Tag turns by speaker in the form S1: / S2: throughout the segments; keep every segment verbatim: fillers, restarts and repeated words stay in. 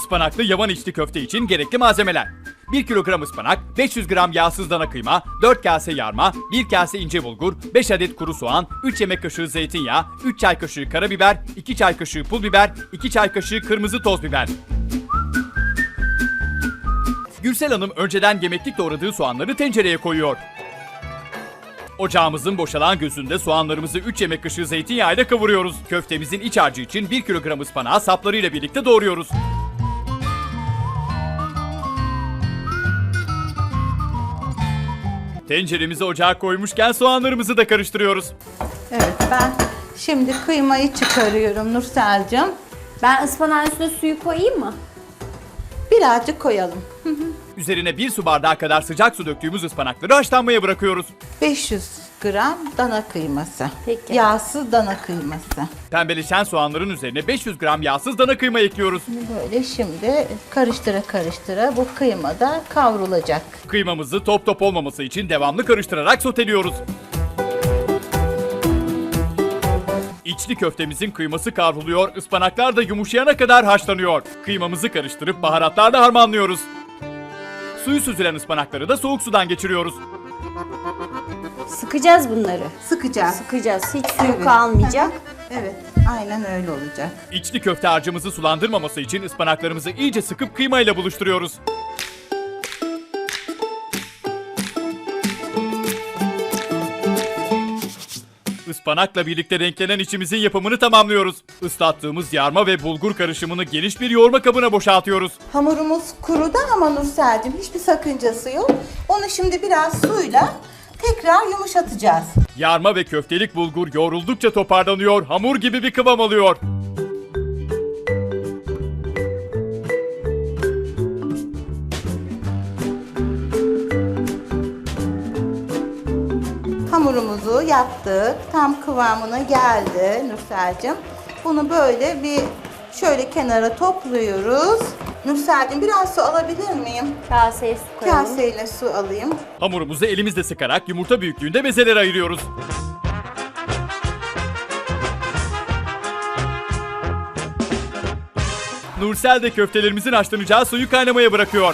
S1: Ispanaklı yavan içli köfte için gerekli malzemeler: bir kilogram ıspanak, beş yüz gram yağsız dana kıyma, dört kase yarma, bir kase ince bulgur, beş adet kuru soğan, üç yemek kaşığı zeytinyağı, üç çay kaşığı karabiber, iki çay kaşığı pul biber, iki çay kaşığı kırmızı toz biber. Gürsel Hanım önceden yemeklik doğradığı soğanları tencereye koyuyor. Ocağımızın boşalan gözünde soğanlarımızı üç yemek kaşığı zeytinyağıyla kavuruyoruz. Köftemizin iç harcı için bir kilogram ıspanağı saplarıyla birlikte doğruyoruz. Tenceremizi ocağa koymuşken soğanlarımızı da karıştırıyoruz.
S2: Evet, ben şimdi kıymayı çıkarıyorum Nursel'cim.
S3: Ben ıspanağın üstüne suyu koyayım mı?
S2: Birazcık koyalım.
S1: Üzerine bir su bardağı kadar sıcak su döktüğümüz ıspanakları haşlanmaya bırakıyoruz.
S2: beş yüz gram dana kıyması.
S3: Peki.
S2: Yağsız dana kıyması.
S1: Pembeleşen soğanların üzerine beş yüz gram yağsız dana kıyma ekliyoruz.
S2: Böyle şimdi karıştıra karıştıra bu kıyma da kavrulacak.
S1: Kıymamızı top top olmaması için devamlı karıştırarak soteliyoruz. İçli köftemizin kıyması kavruluyor, ıspanaklar da yumuşayana kadar haşlanıyor. Kıymamızı karıştırıp baharatlarla harmanlıyoruz. Suyu süzülen ıspanakları da soğuk sudan geçiriyoruz.
S3: Sıkacağız bunları.
S2: Sıkacağız.
S3: Sıkacağız. Hiç suyu
S2: Evet.
S3: kalmayacak.
S2: Evet, aynen öyle olacak.
S1: İçli köfte harcımızı sulandırmaması için ıspanaklarımızı iyice sıkıp kıymayla buluşturuyoruz. Ispanakla birlikte renklenen içimizin yapımını tamamlıyoruz. Islattığımız yarma ve bulgur karışımını geniş bir yoğurma kabına boşaltıyoruz.
S2: Hamurumuz kurudu ama Nursel'cim hiçbir sakıncası yok. Onu şimdi biraz suyla tekrar yumuşatacağız.
S1: Yarma ve köftelik bulgur yoğruldukça toparlanıyor, hamur gibi bir kıvam alıyor.
S2: Hamurumuzu yaptık. Tam kıvamına geldi Nursel'cim. Bunu böyle bir şöyle kenara topluyoruz. Nursel'cim biraz su alabilir miyim?
S3: Kaseye su koyalım.
S2: Kaseyle su alayım.
S1: Hamurumuzu elimizle sıkarak yumurta büyüklüğünde bezelere ayırıyoruz. Nursel de köftelerimizin haşlanacağı suyu kaynamaya bırakıyor.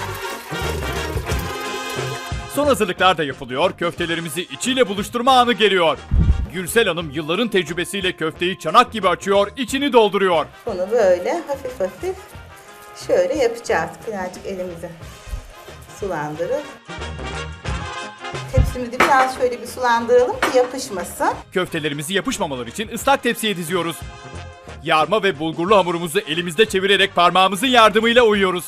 S1: Son hazırlıklar da yapılıyor, köftelerimizi içiyle buluşturma anı geliyor. Gürsel Hanım yılların tecrübesiyle köfteyi çanak gibi açıyor, içini dolduruyor.
S2: Bunu böyle hafif hafif şöyle yapacağız. Birazcık elimizi sulandırıp. Tepsimizi biraz şöyle bir sulandıralım ki yapışmasın.
S1: Köftelerimizi yapışmamaları için ıslak tepsiye diziyoruz. Yarma ve bulgurlu hamurumuzu elimizde çevirerek parmağımızın yardımıyla oyuyoruz.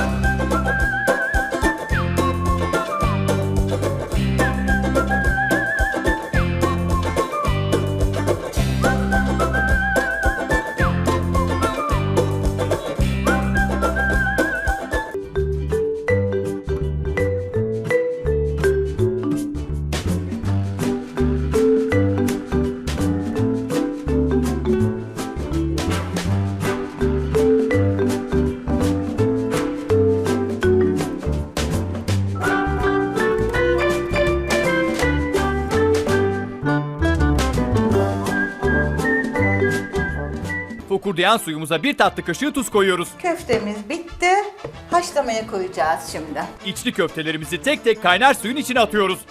S1: Fokurdayan suyumuza bir tatlı kaşığı tuz koyuyoruz.
S2: Köftemiz bitti. Haşlamaya koyacağız şimdi.
S1: İçli köftelerimizi tek tek kaynar suyun içine atıyoruz.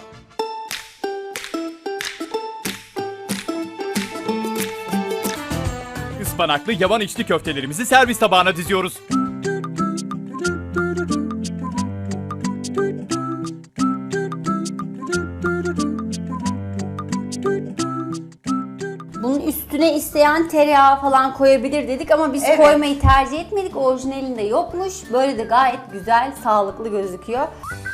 S1: Ispanaklı yavan içli köftelerimizi servis tabağına diziyoruz.
S3: Bunun üstüne isteyen tereyağı falan koyabilir dedik ama biz
S2: Evet.
S3: koymayı tercih etmedik. Orijinalinde yokmuş. Böyle de gayet güzel, sağlıklı gözüküyor.